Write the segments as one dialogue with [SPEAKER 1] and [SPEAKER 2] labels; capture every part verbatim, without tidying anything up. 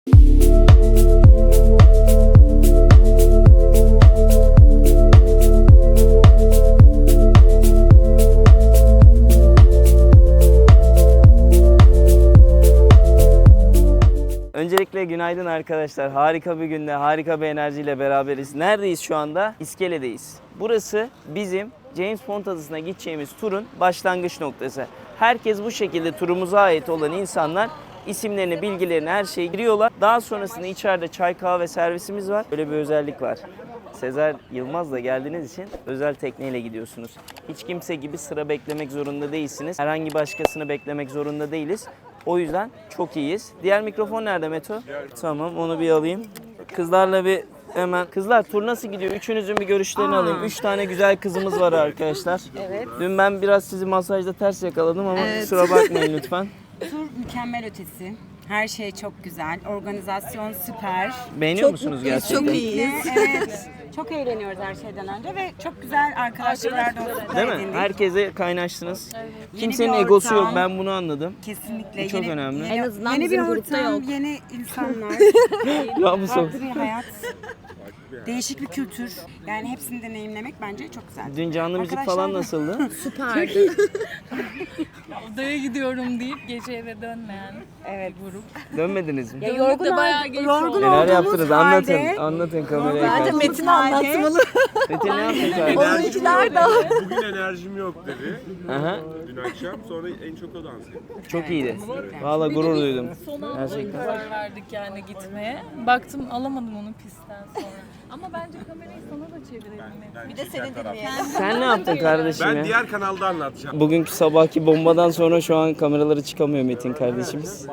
[SPEAKER 1] Öncelikle günaydın arkadaşlar. Harika bir günde, harika bir enerjiyle beraberiz. Neredeyiz şu anda? İskele'deyiz. Burası bizim James Bond adasına gideceğimiz turun başlangıç noktası. Herkes bu şekilde turumuza ait olan insanlar isimlerini, bilgilerini, her şeyi giriyorlar. Daha sonrasında içeride çay kahve servisimiz var. Böyle bir özellik var. Sezer Yılmaz'la geldiğiniz için özel tekneyle gidiyorsunuz. Hiç kimse gibi sıra beklemek zorunda değilsiniz. Herhangi başkasını beklemek zorunda değiliz. O yüzden çok iyiyiz. Diğer mikrofon nerede Meto? Tamam, onu bir alayım. Kızlarla bir hemen. Kızlar, tur nasıl gidiyor? Üçünüzün bir görüşlerini Aa. alayım. Üç tane güzel kızımız var arkadaşlar.
[SPEAKER 2] Evet.
[SPEAKER 1] Dün ben biraz sizi masajda ters yakaladım ama
[SPEAKER 2] Evet.
[SPEAKER 1] kusura bakmayın lütfen.
[SPEAKER 2] Tur mükemmel ötesi. Her şey çok güzel. Organizasyon süper.
[SPEAKER 1] Beğeniyor
[SPEAKER 2] çok
[SPEAKER 1] musunuz
[SPEAKER 2] mutluyuz,
[SPEAKER 1] gerçekten?
[SPEAKER 2] Çok iyiyiz. Evet. Çok eğleniyoruz her şeyden önce ve çok güzel arkadaşlıklar dostluklar
[SPEAKER 1] Değil mi?
[SPEAKER 2] edindik.
[SPEAKER 1] Herkese kaynaştınız. Evet. Kimsenin
[SPEAKER 2] Yeni bir
[SPEAKER 1] egosu yok.
[SPEAKER 2] ortam.
[SPEAKER 1] Ben bunu anladım.
[SPEAKER 2] Kesinlikle.
[SPEAKER 1] Bu çok
[SPEAKER 2] yeni,
[SPEAKER 1] önemli.
[SPEAKER 2] Yeni,
[SPEAKER 3] En azından
[SPEAKER 2] yeni bir
[SPEAKER 3] bizim grupta
[SPEAKER 2] ortam,
[SPEAKER 3] yok.
[SPEAKER 2] yeni insanlar,
[SPEAKER 1] Ya bu son.
[SPEAKER 2] farklı bir hayat, değişik bir kültür. Yani hepsini deneyimlemek bence çok güzel.
[SPEAKER 1] Dün canlı müzik
[SPEAKER 2] Arkadaşlar-
[SPEAKER 1] falan nasıldı?
[SPEAKER 3] Süperdi.
[SPEAKER 4] Odaya gidiyorum deyip gece eve dönmeyen
[SPEAKER 2] Evet.
[SPEAKER 4] grup.
[SPEAKER 1] Dönmediniz mi?
[SPEAKER 3] Ya yorgun,
[SPEAKER 4] de bayağı
[SPEAKER 3] ol-
[SPEAKER 4] geç
[SPEAKER 2] yorgun
[SPEAKER 4] oldu.
[SPEAKER 1] Neler
[SPEAKER 2] olduğumuz
[SPEAKER 1] yaptınız? Anlatın.
[SPEAKER 2] halde-
[SPEAKER 1] Anlatın kameraya
[SPEAKER 3] Bence
[SPEAKER 1] karşı.
[SPEAKER 3] Metin anlatmalı.
[SPEAKER 1] Metin ne yaptın kardeşim?
[SPEAKER 3] Oyuncular da.
[SPEAKER 5] Bugün enerjim yok dedi.
[SPEAKER 1] Aha.
[SPEAKER 5] Dün akşam sonra en çok o dans etti.
[SPEAKER 1] Çok iyiydi. Vallahi gurur duydum.
[SPEAKER 4] Son anda
[SPEAKER 1] Gerçekten.
[SPEAKER 4] karar verdik yani gitmeye. Baktım alamadım onu pistten sonra. Ama bence kamerayı sana da çevirelim.
[SPEAKER 3] Bir de seni dinleyelim.
[SPEAKER 1] Sen ne yaptın kardeşim
[SPEAKER 5] Ben
[SPEAKER 1] ya?
[SPEAKER 5] diğer kanalda anlatacağım.
[SPEAKER 1] Bugünkü sabahki bombadan sonra şu an kameraları çıkamıyor Metin kardeşimiz.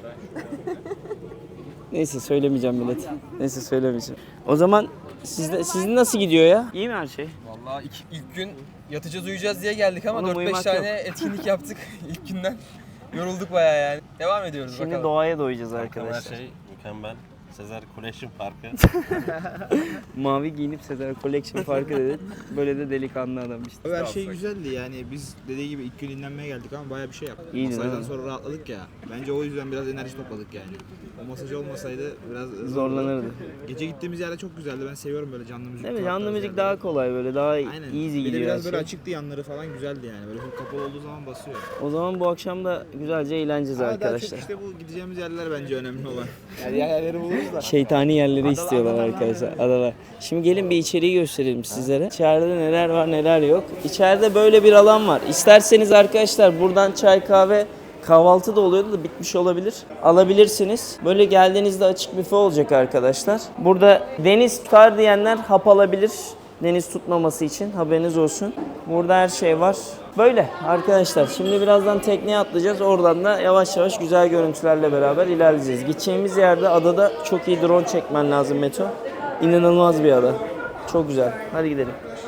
[SPEAKER 1] Neyse söylemeyeceğim millet. Neyse söylemeyeceğim. O zaman sizde, sizin nasıl gidiyor ya? İyi mi her şey?
[SPEAKER 6] Vallahi ilk, ilk gün yatacağız uyuyacağız diye geldik ama
[SPEAKER 1] Oğlum,
[SPEAKER 6] dört beş
[SPEAKER 1] uyumak
[SPEAKER 6] tane
[SPEAKER 1] yok.
[SPEAKER 6] etkinlik yaptık ilk günden. Yorulduk bayağı yani. Devam ediyoruz
[SPEAKER 1] Şimdi
[SPEAKER 6] bakalım.
[SPEAKER 1] doğaya doyacağız
[SPEAKER 7] Her
[SPEAKER 1] arkadaşlar.
[SPEAKER 7] şey mükemmel. Sezer Collection Parkı.
[SPEAKER 1] Mavi giyinip Sezer Collection Parkı dedi. Böyle de delikanlı adam işte.
[SPEAKER 8] Her şey güzeldi yani biz dediği gibi ilk gün dinlenmeye geldik ama bayağı bir şey yaptık.
[SPEAKER 1] İyiydi,
[SPEAKER 8] Masajdan
[SPEAKER 1] değil mi?
[SPEAKER 8] sonra rahatladık ya. Bence o yüzden biraz enerji topladık yani. O masaj olmasaydı biraz
[SPEAKER 1] Zorlanırdı.
[SPEAKER 8] Gece gittiğimiz yerde çok güzeldi. Ben seviyorum böyle canlı müzik.
[SPEAKER 1] Değil mi?
[SPEAKER 8] kulak
[SPEAKER 1] Canlı
[SPEAKER 8] tarzı
[SPEAKER 1] müzik
[SPEAKER 8] yerleri.
[SPEAKER 1] daha kolay böyle daha
[SPEAKER 8] Aynen.
[SPEAKER 1] easy
[SPEAKER 8] Bir de
[SPEAKER 1] gidiyor her
[SPEAKER 8] biraz böyle
[SPEAKER 1] şey.
[SPEAKER 8] açıktı yanları falan güzeldi yani. Böyle full kapalı olduğu zaman basıyor.
[SPEAKER 1] O zaman bu akşam da güzelce eğleneceğiz
[SPEAKER 8] Ama daha
[SPEAKER 1] arkadaşlar.
[SPEAKER 8] çok işte bu gideceğimiz yerler bence önemli olan. Yani diğer yerleri buluruz da.
[SPEAKER 1] Şeytani yerleri istiyorlar arkadaşlar. Adalar. Şimdi gelin bir içeriği gösterelim sizlere. İçeride neler var neler yok. İçeride böyle bir alan var. İsterseniz arkadaşlar buradan çay kahve kahvaltı da oluyordu da bitmiş olabilir. Alabilirsiniz. Böyle geldiğinizde açık büfe olacak arkadaşlar. Burada deniz tutar diyenler hap alabilir. Deniz tutmaması için haberiniz olsun. Burada her şey var. Böyle arkadaşlar. Şimdi birazdan tekneye atlayacağız. Oradan da yavaş yavaş güzel görüntülerle beraber ilerleyeceğiz. Gideceğimiz yerde adada çok iyi drone çekmen lazım Meto. İnanılmaz bir ada. Çok güzel. Hadi gidelim.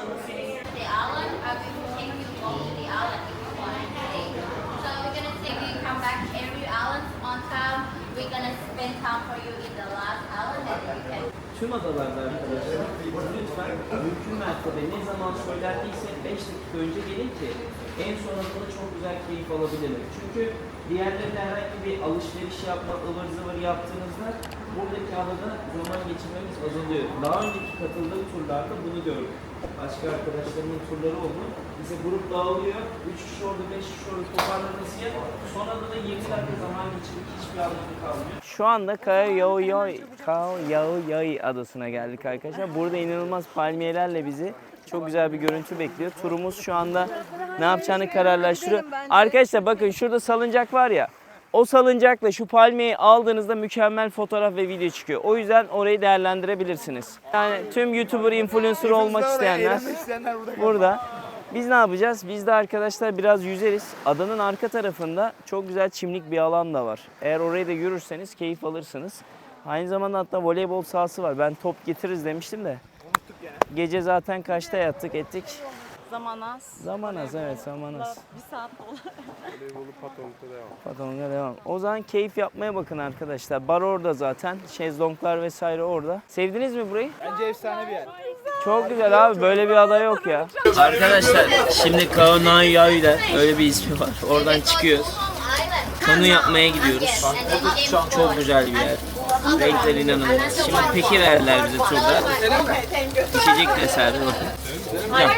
[SPEAKER 1] Tüm adalarda arkadaşlar lütfen mümkün mertebe ne zaman söylendiysek beş dakika önce gelin ki en son adada çok güzel keyif alabilirim. Çünkü diğerlerinde herhangi bir alışveriş yapma, ıvır zıvır yaptığınızda buradaki adada zaman geçirmemiz azalıyor. Daha önceki katıldığım turlarda bunu gördüm. Başka arkadaşlarımın turları oldu. Bize grup dağılıyor. üç kişi orada, beş kişi orada toparlanması yap. Sonra da yirmi dakika zaman geçirdik. Hiçbir anlamı kalmıyor. Şu anda Kaoyoi Kaoyoi adasına geldik arkadaşlar. Burada inanılmaz palmiyelerle bizi çok güzel bir görüntü bekliyor. Turumuz şu anda ne yapacağını kararlaştırıyor. Arkadaşlar bakın şurada salıncak var ya. O salıncakla şu palmiyeyi aldığınızda mükemmel fotoğraf ve video çıkıyor. O yüzden orayı değerlendirebilirsiniz. Yani tüm YouTuber, influencer olmak isteyenler burada. Biz ne yapacağız? Biz de arkadaşlar biraz yüzeriz. Adanın arka tarafında çok güzel çimlik bir alan da var. Eğer orayı da yürürseniz keyif alırsınız. Aynı zamanda hatta voleybol sahası var. Ben top getiririz demiştim de. Gece zaten kaçta yattık ettik?
[SPEAKER 3] Zaman az.
[SPEAKER 1] Zaman az, evet zaman az.
[SPEAKER 3] Bir saat olur.
[SPEAKER 5] Voleybolu Patong'da devam.
[SPEAKER 1] Patronga devam. O zaman keyif yapmaya bakın arkadaşlar. Bar orada zaten. Şezlonglar vesaire orada. Sevdiniz mi burayı?
[SPEAKER 8] Bence efsane bir yer.
[SPEAKER 1] Çok güzel abi. Böyle bir ada yok ya. Arkadaşlar şimdi Kaohsiung'da öyle bir ismi var. Oradan çıkıyoruz. Kanu yapmaya gidiyoruz. Çok güzel bir yer. Renkler inanılmaz. Şimdi peki verdiler bize turda. İçecek vesaire bakın. Yap.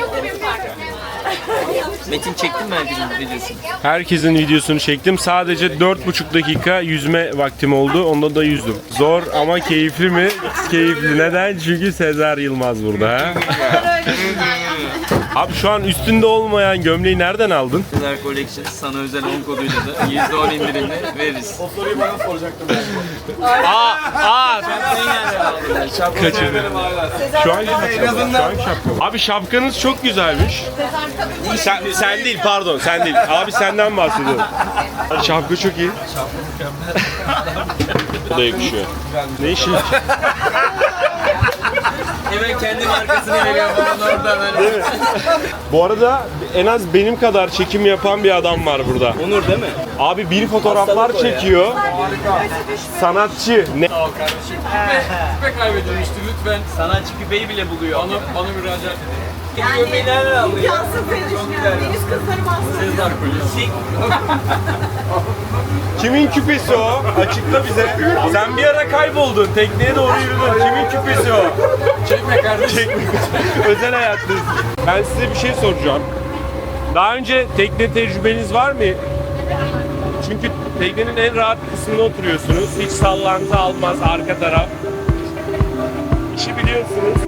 [SPEAKER 1] Metin çektin mi herkesin videosunu?
[SPEAKER 5] Herkesin videosunu çektim. Sadece dört buçuk dakika yüzme vaktim oldu. Onda da yüzdüm. Zor ama keyifli mi? Keyifli. Neden? Çünkü Sezer Yılmaz burada. Ha? Abi şu an üstünde olmayan gömleği nereden aldın?
[SPEAKER 1] Sezer Collection sana özel on koduyla da yüzde on indirimle veririz.
[SPEAKER 9] O soruyu bana soracaktım.
[SPEAKER 5] Aa, aa,
[SPEAKER 1] Şapkayı nereden aldılar? Şapkayı
[SPEAKER 5] kaçırdım. Şu an şapka. Şu an şapka. Abi şapkanız çok güzelmiş. Sen, sen değil pardon sen değil. Abi senden bahsediyorum. Şapka çok iyi. Bu da yakışıyor. Ne işin?
[SPEAKER 1] Hemen kendi markasını veriyor bana oradan. Hani.
[SPEAKER 5] Bu arada en az benim kadar çekim yapan bir adam var burada.
[SPEAKER 1] Onur değil mi?
[SPEAKER 5] Abi bir fotoğraflar
[SPEAKER 1] Hastalık o ya.
[SPEAKER 5] çekiyor. Sanatçı. Ne?
[SPEAKER 9] Küpe kaybedilmişti lütfen.
[SPEAKER 1] Sanatçı küpeyi bile buluyor.
[SPEAKER 9] Bana, bana müracaat edin.
[SPEAKER 1] Gömleği nereden alıyor?
[SPEAKER 3] İmkansız diye düşünüyorum. Deniz kızları bastırıyor.
[SPEAKER 1] Sezer Collection.
[SPEAKER 5] Kimin küpesi o? Açıkla bize. Sen bir ara kayboldun. Tekneye doğru yürüdün. Kimin küpesi o?
[SPEAKER 9] Çekme kardeşim.
[SPEAKER 5] Özel hayatınız. Ben size bir şey soracağım. Daha önce tekne tecrübeniz var mı? Çünkü teknenin en rahat kısmında oturuyorsunuz. Hiç sallantı almaz arka taraf. İşi biliyorsunuz.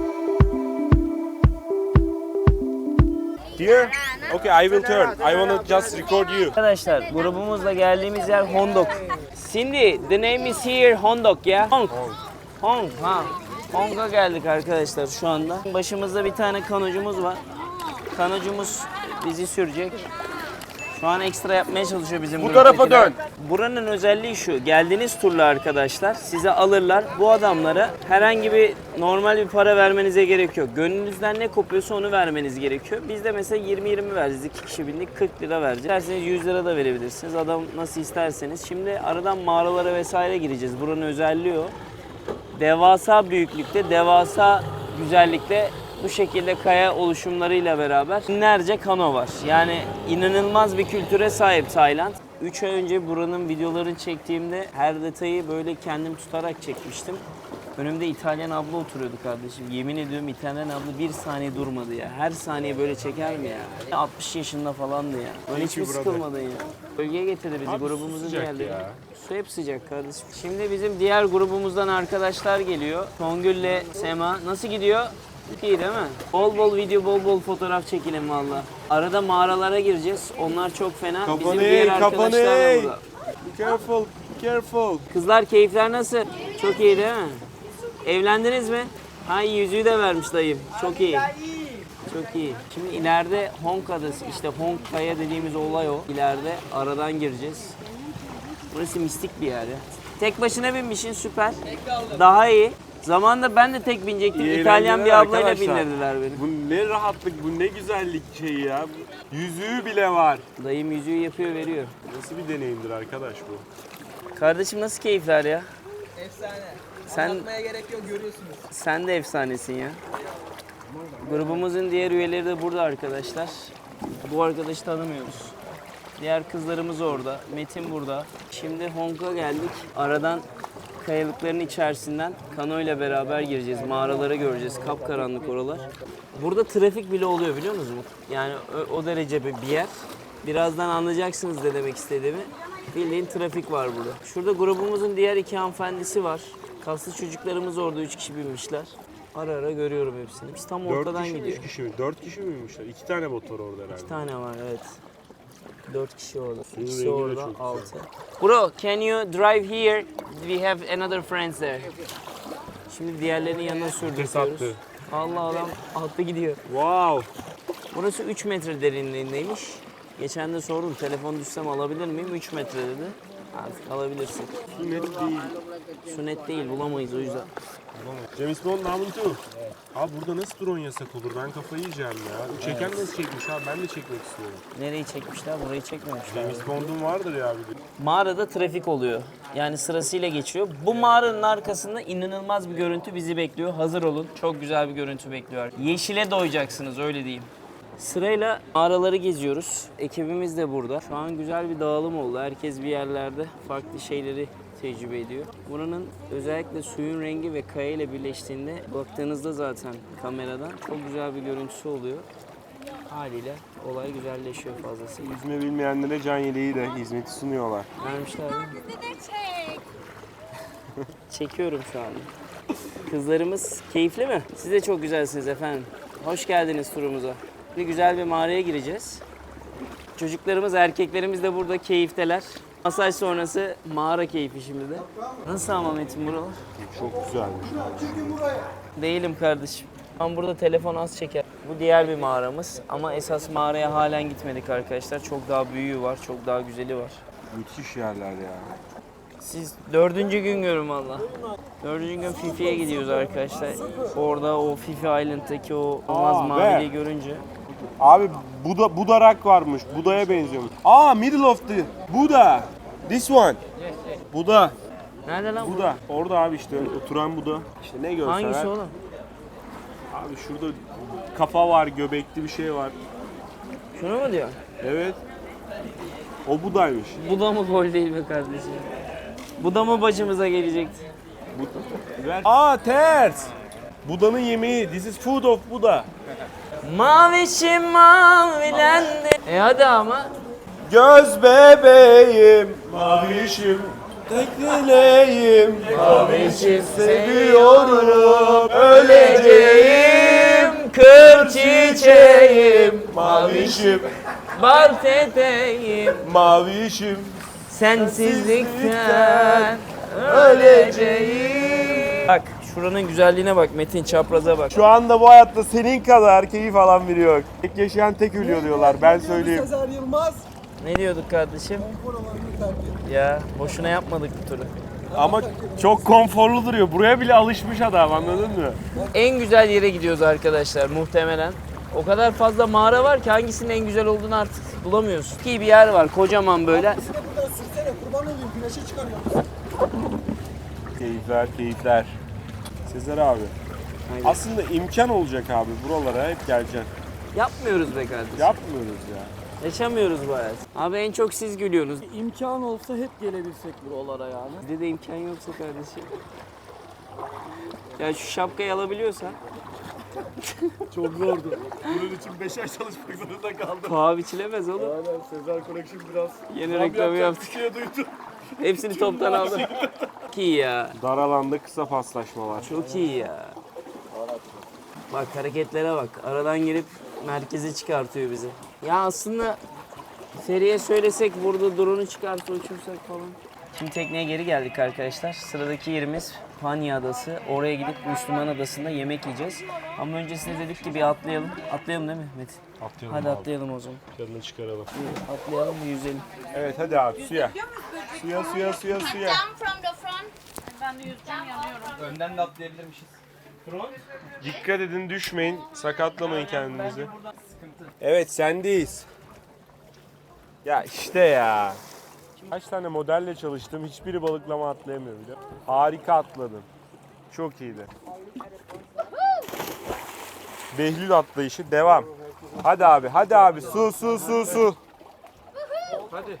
[SPEAKER 5] Here? Okay, I will turn. I want to just record you.
[SPEAKER 1] Arkadaşlar grubumuzla geldiğimiz yer Hondok. Cindy, the name is here Hondok ya. Hong. Hong, ha. Hong'a geldik arkadaşlar şu anda. Başımızda bir tane kanocumuz var. Kanocumuz bizi sürecek. Şu an ekstra yapmaya çalışıyor bizim
[SPEAKER 5] Bu tarafa
[SPEAKER 1] gruptakiler.
[SPEAKER 5] dön.
[SPEAKER 1] Buranın özelliği şu. Geldiğiniz turla arkadaşlar size alırlar. Bu adamlara herhangi bir normal bir para vermenize gerek yok. Gönlünüzden ne kopuyorsa onu vermeniz gerekiyor. Biz de mesela yirmi yirmi vereceğiz. iki kişi bindik kırk lira vereceğiz. İsterseniz yüz lira da verebilirsiniz. Adam nasıl isterseniz. Şimdi aradan mağaralara vesaire gireceğiz. Buranın özelliği o. Devasa büyüklükte, devasa güzellikte bu şekilde kaya oluşumlarıyla beraber binlerce kano var. Yani inanılmaz bir kültüre sahip Tayland. üç ay önce buranın videolarını çektiğimde her detayı böyle kendim tutarak çekmiştim. Önümde İtalyan abla oturuyordu kardeşim. Yemin ediyorum İtalyan abla bir saniye durmadı ya. Her saniye böyle çeker mi ya? altmış yaşında falandı ya. Böyle hiç mi sıkılmadın ya? Bölgeye getirdi bizi, grubumuzun diğerleri. Su hep sıcak kardeşim. Şimdi bizim diğer grubumuzdan arkadaşlar geliyor. Songül'le Sema. Nasıl gidiyor? İyi değil mi? Bol bol video, bol bol fotoğraf çekelim valla. Arada mağaralara gireceğiz. Onlar çok fena. Bizim
[SPEAKER 5] Kapanı
[SPEAKER 1] diğer
[SPEAKER 5] ey, kapanı
[SPEAKER 1] arkadaşlar da
[SPEAKER 5] ey.
[SPEAKER 1] burada.
[SPEAKER 5] Be careful, be careful.
[SPEAKER 1] Kızlar keyifler nasıl? Çok iyi değil mi? Evlendiniz mi? Ha yüzüğü de vermiş dayım. Çok iyi. Çok iyi. Şimdi ileride Hong Adası, işte Hong Kaya dediğimiz olay o. İleride aradan gireceğiz. Burası mistik bir yer ya. Tek başına binmişsin süper. Daha iyi. Zamanında ben de tek binecektim.
[SPEAKER 5] İyi
[SPEAKER 1] İtalyan bir
[SPEAKER 5] eğlenceler
[SPEAKER 1] ablayla
[SPEAKER 5] arkadaşlar.
[SPEAKER 1] bindirdiler beni.
[SPEAKER 5] Bu ne rahatlık, bu ne güzellik şeyi ya. Yüzüğü bile var.
[SPEAKER 1] Dayım yüzüğü yapıyor, veriyor.
[SPEAKER 5] Nasıl bir deneyimdir arkadaş bu?
[SPEAKER 1] Kardeşim nasıl keyifler ya?
[SPEAKER 6] Efsane.
[SPEAKER 1] Sen
[SPEAKER 6] Anlatmaya gerek yok, görüyorsunuz.
[SPEAKER 1] sen de efsanesin ya. Grubumuzun diğer üyeleri de burada arkadaşlar. Bu arkadaşı tanımıyoruz. Diğer kızlarımız orada. Metin burada. Şimdi Hong'a geldik. Aradan kayalıkların içerisinden kano ile beraber gireceğiz. Mağaralara göreceğiz. Kapkaranlık oralar. Burada trafik bile oluyor biliyor musunuz? Yani o, o derece bir yer. Birazdan anlayacaksınız ne demek istediğimi. Bildiğin trafik var burada. Şurada grubumuzun diğer iki hanımefendisi var. Kaslı çocuklarımız orada üç kişi binmişler. Ara ara görüyorum hepsini. Biz tam
[SPEAKER 5] Dört
[SPEAKER 1] ortadan
[SPEAKER 5] kişi mi,
[SPEAKER 1] gidiyor.
[SPEAKER 5] üç kişi mi? Dört kişi miymişler? İki tane motor orada herhalde.
[SPEAKER 1] İki tane var evet. Dört kişi orada.
[SPEAKER 5] Bunun
[SPEAKER 1] İkisi
[SPEAKER 5] rengi de
[SPEAKER 1] orada,
[SPEAKER 5] çok
[SPEAKER 1] altı. Bro, can you drive here? We have another friends there. Şimdi diğerlerinin yanına sürdürüyoruz.
[SPEAKER 5] attı.
[SPEAKER 1] Allah adam attı gidiyor.
[SPEAKER 5] Wow.
[SPEAKER 1] Burası üç metre derinliğindeymiş. Geçen de sordum telefon düşsem alabilir miyim? üç metre dedi. Artık alabilirsin.
[SPEAKER 5] Bu net değil.
[SPEAKER 1] Su net değil bulamayız o yüzden.
[SPEAKER 5] James Bond namını tu. Abi burada nasıl drone yasak olur? Ben kafayı yiyeceğim ya. Çeken nasıl çekmiş abi? Ben de çekmek istiyorum.
[SPEAKER 1] Nereyi çekmişler? Burayı çekmemişler.
[SPEAKER 5] James Bond'un vardır ya bir de.
[SPEAKER 1] Mağarada trafik oluyor. Yani sırasıyla geçiyor. Bu mağaranın arkasında inanılmaz bir görüntü bizi bekliyor. Hazır olun. Çok güzel bir görüntü bekliyor. Yeşile doyacaksınız öyle diyeyim. Sırayla mağaraları geziyoruz. Ekibimiz de burada. Şu an güzel bir dağılım oldu. Herkes bir yerlerde farklı şeyleri tecrübe ediyor. Buranın özellikle suyun rengi ve kaya ile birleştiğinde baktığınızda zaten kameradan çok güzel bir görüntüsü oluyor. Haliyle olay güzelleşiyor fazlasıyla.
[SPEAKER 5] Yüzme bilmeyenlere can yeleği de hizmeti sunuyorlar.
[SPEAKER 1] Vermişler mi? Çekiyorum şu an. Kızlarımız keyifli mi? Siz de çok güzelsiniz efendim. Hoş geldiniz turumuza. Bir güzel bir mağaraya gireceğiz. Çocuklarımız, erkeklerimiz de burada keyifteler. Masaj sonrası mağara keyfi şimdi de. Nasıl ama Metin buralar?
[SPEAKER 5] Çok güzelmiş.
[SPEAKER 1] Değilim kardeşim. Ama burada telefon az çeker. Bu diğer bir mağaramız ama esas mağaraya halen gitmedik arkadaşlar. Çok daha büyüğü var, çok daha güzeli var.
[SPEAKER 5] Müthiş yerler ya.
[SPEAKER 1] Siz dördüncü gün görün valla. Dördüncü gün Fifi'ye gidiyoruz arkadaşlar. Orada o Fifi Island'daki o olmaz
[SPEAKER 5] Aa,
[SPEAKER 1] maviliği
[SPEAKER 5] be.
[SPEAKER 1] görünce.
[SPEAKER 5] Abi Buda, Budarak varmış. Buda'ya benziyormuş. Aa, middle of the Buda. This one. Buda.
[SPEAKER 1] Nerede lan bu?
[SPEAKER 5] Buda. Orada abi işte oturan Buda. İşte ne görseler.
[SPEAKER 1] Hangisi oğlum?
[SPEAKER 5] Abi şurada kafa var, göbekli bir şey var.
[SPEAKER 1] Şunu mu diyor?
[SPEAKER 5] Evet. O Buda'ymış.
[SPEAKER 1] Bu da mı gol değil be kardeşim? Bu da mı başımıza gelecekti?
[SPEAKER 5] Ver. Aa, ters. Buda'nın yemeği. This is food of Buda.
[SPEAKER 1] Mavişim mavilendi. E hadi ama.
[SPEAKER 5] Göz bebeğim, mavişim, tek dileğim, mavişim seviyorum, öleceğim,
[SPEAKER 1] kır çiçeğim,
[SPEAKER 5] mavişim,
[SPEAKER 1] bal teteğim,
[SPEAKER 5] mavişim,
[SPEAKER 1] sensizlikten öleceğim. Bak şuranın güzelliğine bak Metin, çapraza bak.
[SPEAKER 5] Şu anda bu hayatta senin kadar keyif alan biri yok. Tek yaşayan tek ölüyor diyorlar, ben söyleyeyim.
[SPEAKER 6] Sezer Yılmaz.
[SPEAKER 1] Ne diyorduk kardeşim? Ya boşuna yapmadık bu turu.
[SPEAKER 5] Ama çok konforlu duruyor, buraya bile alışmış adam, anladın mı?
[SPEAKER 1] En güzel yere gidiyoruz arkadaşlar muhtemelen. O kadar fazla mağara var ki hangisinin en güzel olduğunu artık bulamıyorsun. İyi bir yer var kocaman böyle.
[SPEAKER 6] Buradan sürsene kurban olayım güneşe çıkarıyor.
[SPEAKER 5] Keyifler, keyifler. Sezer abi.
[SPEAKER 1] Aynen.
[SPEAKER 5] Aslında imkan olacak abi, buralara hep geleceksin.
[SPEAKER 1] Yapmıyoruz be kardeşim.
[SPEAKER 5] Yapmıyoruz ya.
[SPEAKER 1] Yaşamıyoruz bu hayat. Abi en çok siz gülüyorsunuz.
[SPEAKER 9] İmkan olsa hep gelebilsek buralara yani.
[SPEAKER 1] Bizde de imkan yoksa kardeşim. Ya şu şapkayı alabiliyorsan.
[SPEAKER 5] Çok zordu. Bunun için beş ay çalışmak zorunda kaldım.
[SPEAKER 1] Paha biçilemez oğlum.
[SPEAKER 5] Aynen, Sezer Collection biraz...
[SPEAKER 1] Yeni reklamı yaptık.
[SPEAKER 5] Bir şey duydum.
[SPEAKER 1] Hepsini toptan aldım. Çok iyi ya.
[SPEAKER 5] Dar alanda kısa paslaşmalar.
[SPEAKER 1] Çok iyi ya. Bak hareketlere bak. Aradan girip merkeze çıkartıyor bizi. Ya aslında Feri'ye söylesek burada drone'u çıkartıp uçursak falan. Şimdi tekneye geri geldik arkadaşlar. Sıradaki yerimiz Panya Adası. Oraya gidip Müslüman Adası'nda yemek yiyeceğiz. Ama öncesinde dedik ki bir atlayalım. Atlayalım değil mi Metin?
[SPEAKER 5] Atlayalım
[SPEAKER 1] Hadi
[SPEAKER 5] abi.
[SPEAKER 1] atlayalım o zaman.
[SPEAKER 5] Canını çıkaralım.
[SPEAKER 1] Bir atlayalım bir yüzelim.
[SPEAKER 5] Evet hadi abi suya. Suya suya suya suya.
[SPEAKER 3] Jump from the front. Ben de yüzeceğim yanıyorum.
[SPEAKER 6] Önden de atlayabilirmişiz.
[SPEAKER 5] Dikkat edin, düşmeyin, sakatlamayın kendinizi. Evet, sendeyiz. Ya işte ya. Kaç tane modelle çalıştım, hiçbiri balıklama atlayamıyor bile. Harika atladın. Çok iyiydi. Behlül atlayışı devam. Hadi abi, hadi abi. Su, su, su, su.
[SPEAKER 9] Hadi.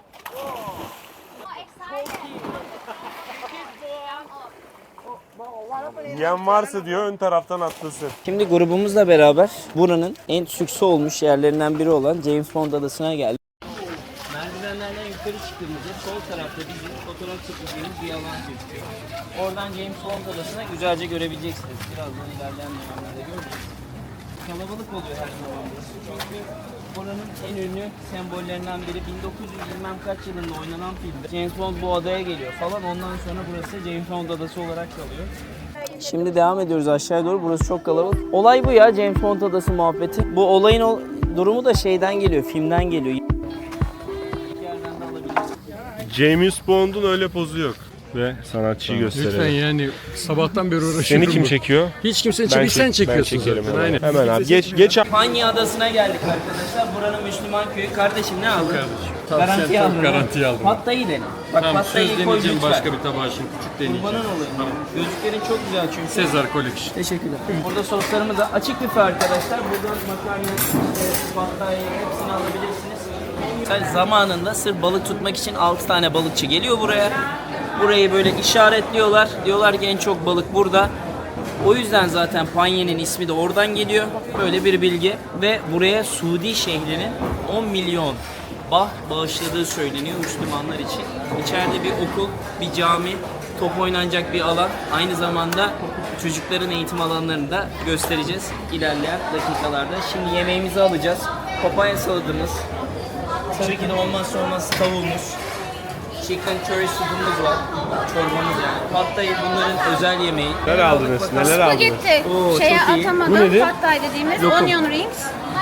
[SPEAKER 5] Yiyen varsa diyor ön taraftan atlasın.
[SPEAKER 1] Şimdi grubumuzla beraber buranın en sükse olmuş yerlerinden biri olan James Bond Adası'na geldik. Merdivenlerden yukarı çıktığımızda sol tarafta bizim fotoğraf çekeceğimiz bir alan gözüküyor. Oradan James Bond Adası'na güzelce görebileceksiniz. Birazdan ilerleyen dönemlerde göreceğiz. Kalabalık oluyor her zaman burası. Çünkü buranın en ünlü sembollerinden biri bin dokuz yüz bilmem kaç yılında oynanan filmde James Bond bu adaya geliyor falan. Ondan sonra burası James Bond Adası olarak kalıyor. Şimdi devam ediyoruz aşağıya doğru. Burası çok kalabalık. Olay bu ya, James Bond Adası muhabbeti. Bu olayın ol- durumu da şeyden geliyor, filmden geliyor. Yerden de alabiliriz.
[SPEAKER 5] James Bond'un öyle pozu yok. Ve sanatçıyı gösterelim.
[SPEAKER 9] Lütfen yani sabahtan beri uğraşıyorum.
[SPEAKER 5] Seni kim çekiyor?
[SPEAKER 9] Hiç kimsenin çekmiyor. Sen
[SPEAKER 5] çek-
[SPEAKER 9] çekiyorsun
[SPEAKER 5] ben çekerim
[SPEAKER 9] zaten.
[SPEAKER 5] hemen.
[SPEAKER 9] Aynen.
[SPEAKER 5] Hemen abi. Geç geç.
[SPEAKER 1] Panya Adası'na geldik arkadaşlar. Buranın Müslüman köyü. Kardeşim ne aldın?
[SPEAKER 9] Tavsiyen
[SPEAKER 1] Garantiye
[SPEAKER 9] çok
[SPEAKER 1] aldım.
[SPEAKER 9] garantiye aldım.
[SPEAKER 1] Pattayı dene. Bak
[SPEAKER 9] Tamam,
[SPEAKER 1] pattayı
[SPEAKER 9] söz
[SPEAKER 1] koy
[SPEAKER 9] deneyeceğim
[SPEAKER 1] lütfen.
[SPEAKER 9] başka bir tabağa şimdi. Küçük deneyeceğim.
[SPEAKER 1] Kurbanın olayım. Gözlüklerin çok güzel çünkü.
[SPEAKER 9] Sezar Collection.
[SPEAKER 1] Teşekkürler. Burada soslarımız da açık büfe arkadaşlar. Buradan makarna, işte, pattayı hepsini alabilirsiniz. Zamanında sırf balık tutmak için altı tane balıkçı geliyor buraya. burayı böyle işaretliyorlar. Diyorlar ki en çok balık burada. O yüzden zaten Panye'nin ismi de oradan geliyor. Böyle bir bilgi. Ve buraya Suudi şehrinin on milyon bah bağışladığı söyleniyor Müslümanlar için. İçeride bir okul, bir cami, top oynanacak bir alan. Aynı zamanda çocukların eğitim alanlarını da göstereceğiz ilerleyen dakikalarda. Şimdi yemeğimizi alacağız. Papaya saladımız. Tabii ki de olmazsa olmaz tavuğumuz. Chicken curry supumuz var. Çorbamız yani. Pad Thai bunların özel yemeği.
[SPEAKER 5] Neler aldınız? Neler aldınız?
[SPEAKER 3] Spagetti.
[SPEAKER 1] Oo,
[SPEAKER 3] Şeye
[SPEAKER 1] çok iyi.
[SPEAKER 5] Bu
[SPEAKER 3] atamadım.
[SPEAKER 5] nedir?
[SPEAKER 3] Pad Thai dediğimiz
[SPEAKER 1] Lokum.
[SPEAKER 3] onion rings.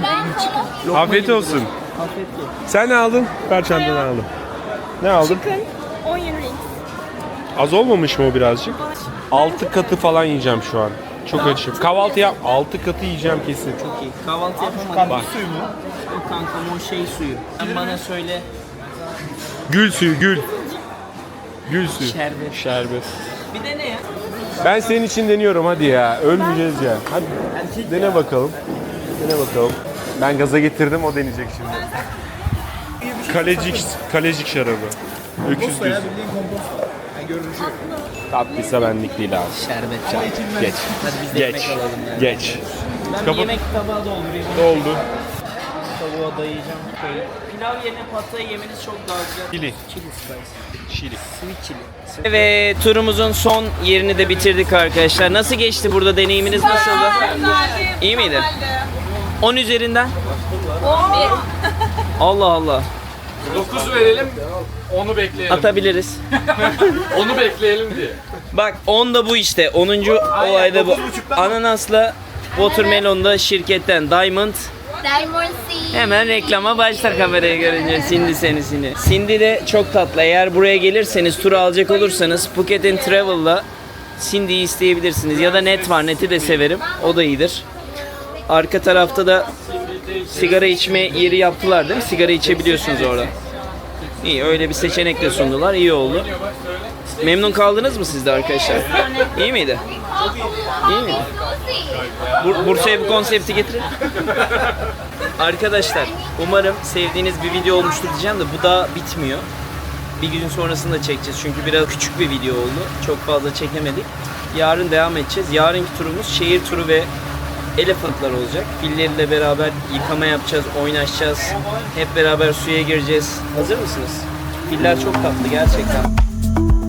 [SPEAKER 1] Lokma
[SPEAKER 5] Afiyet
[SPEAKER 1] gibi
[SPEAKER 5] olsun.
[SPEAKER 1] duruyor. Afiyet olsun.
[SPEAKER 5] Sen ne aldın? Ver çantanı aldım. Ne aldın?
[SPEAKER 3] Chicken onion rings.
[SPEAKER 5] Az olmamış mı o birazcık? Altı katı falan yiyeceğim şu an. Çok açım. Kahvaltı yap. Altı katı yiyeceğim kesin.
[SPEAKER 1] Çok iyi. Kahvaltı yapamadım.
[SPEAKER 5] Bak.
[SPEAKER 8] Suyu mu?
[SPEAKER 1] O kankam o şey suyu. Sen bana söyle.
[SPEAKER 5] Gül suyu, gül. Gül suyu.
[SPEAKER 1] Şerbet.
[SPEAKER 5] Şerbet.
[SPEAKER 1] Bir de ne ya?
[SPEAKER 5] Ben senin için deniyorum hadi ya. Ölmeyeceğiz ya. Hadi dene bakalım. Dene bakalım. Ben gaza getirdim, o deneyecek şimdi. Kalecik, kalecik şarabı. Öküz
[SPEAKER 8] Komposto
[SPEAKER 5] düz.
[SPEAKER 8] ya bildiğin komposto. Yani görünüşü.
[SPEAKER 5] Tatlıysa benlik değil abi.
[SPEAKER 1] Şerbet.
[SPEAKER 5] Geç.
[SPEAKER 1] Hadi biz de
[SPEAKER 5] Geç.
[SPEAKER 1] ekmek alalım yani.
[SPEAKER 5] Geç.
[SPEAKER 1] Ben bir
[SPEAKER 5] Kapat.
[SPEAKER 1] yemek tabağı doldurayım.
[SPEAKER 5] Oldu.
[SPEAKER 1] Tavuğa dayayacağım. Şöyle. Pilav yerine pad thai yemeniz çok daha güzel.
[SPEAKER 5] Chili.
[SPEAKER 1] Chili spice.
[SPEAKER 5] Şili.
[SPEAKER 1] Sweet chili. Evet, turumuzun son yerini de bitirdik arkadaşlar. Nasıl geçti burada, deneyiminiz nasıldı? İyi miydi? on üzerinden?
[SPEAKER 3] on bir.
[SPEAKER 1] Allah Allah.
[SPEAKER 9] dokuz verelim, onu bekleyelim.
[SPEAKER 1] Atabiliriz.
[SPEAKER 9] Onu bekleyelim diye.
[SPEAKER 1] Bak on da bu işte. onuncu olayda bu. Ananasla Watermelon da şirketten Diamond.
[SPEAKER 3] Diamond Sea.
[SPEAKER 1] Hemen reklama başlar kamerayı görünce. Cindy senisini. Cindy de çok tatlı. Eğer buraya gelirseniz, tur alacak olursanız Phuket and Travel'la Cindy'yi isteyebilirsiniz. Ya da Net var. Net'i de severim. O da iyidir. Arka tarafta da sigara içme yeri yaptılar değil mi? Sigara içebiliyorsunuz orada. İyi, öyle bir seçenek de sundular. İyi oldu. Memnun kaldınız mı siz de arkadaşlar? İyi miydi? İyi miydi? Bur- Bursa'ya bu konsepti getirin. Arkadaşlar, umarım sevdiğiniz bir video olmuştur diyeceğim de bu daha bitmiyor. Bir gün sonrasında çekeceğiz çünkü biraz küçük bir video oldu. Çok fazla çekemedik. Yarın devam edeceğiz. Yarınki turumuz şehir turu ve elephantlar olacak. Filleriyle beraber yıkama yapacağız, oynaşacağız. Hep beraber suya gireceğiz. Hazır mısınız? Filler çok tatlı gerçekten.